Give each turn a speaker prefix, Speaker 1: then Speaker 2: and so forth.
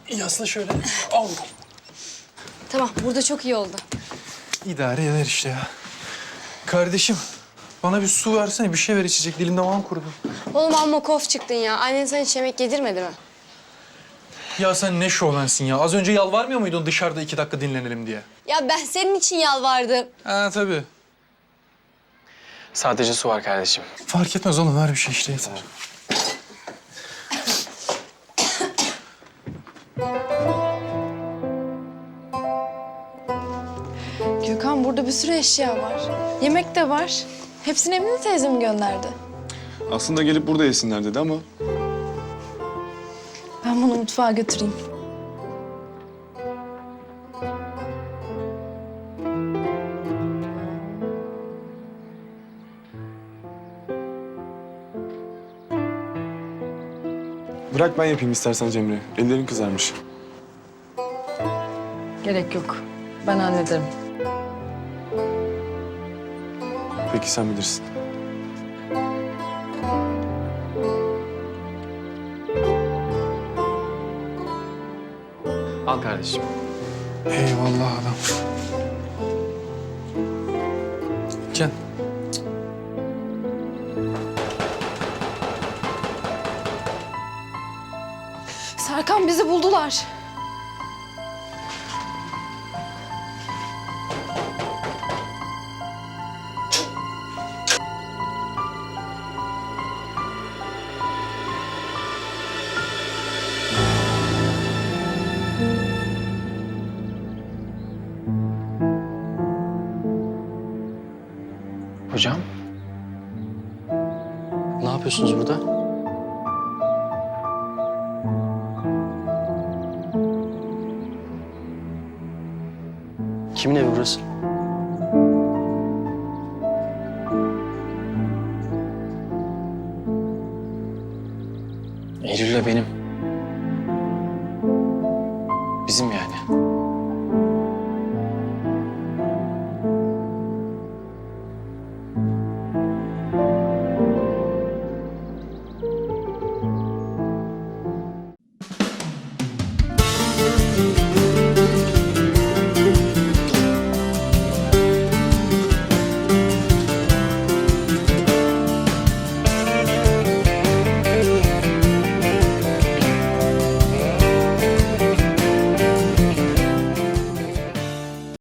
Speaker 1: Yasla şöyle. Al.
Speaker 2: Tamam, burada çok iyi oldu.
Speaker 1: İdare eder işte ya. Kardeşim, bana bir su versene, bir şey ver içecek. Dilim damağım kurudu.
Speaker 2: Oğlum amma kof çıktın ya. Annen sana hiç yemek yedirmedi mi?
Speaker 1: Ya sen ne şovlansın ya. Az önce yalvarmıyor muydun dışarıda 2 dakika dinlenelim diye?
Speaker 2: Ya ben senin için yalvardım.
Speaker 1: Ha tabii.
Speaker 3: Sadece su var kardeşim.
Speaker 1: Fark etmez oğlum, ver bir şey işte yeter.
Speaker 4: Gökhan burada bir sürü eşya var. Yemek de var. Hepsini Emine teyzem gönderdi.
Speaker 5: Aslında gelip burada yesinler dedi ama
Speaker 4: Ben bunu mutfağa götüreyim.
Speaker 5: bırak ben yapayım istersen Cemre. Ellerin kızarmış.
Speaker 6: Gerek yok. Ben hallederim.
Speaker 5: Peki sen bilirsin.
Speaker 3: Al kardeşim.
Speaker 1: Eyvallah adam. Can.
Speaker 4: Serkan bizi buldular.
Speaker 3: Hocam. Ne yapıyorsunuz burada? Kimin evi burası? Eylül'le benim. Bizim yani.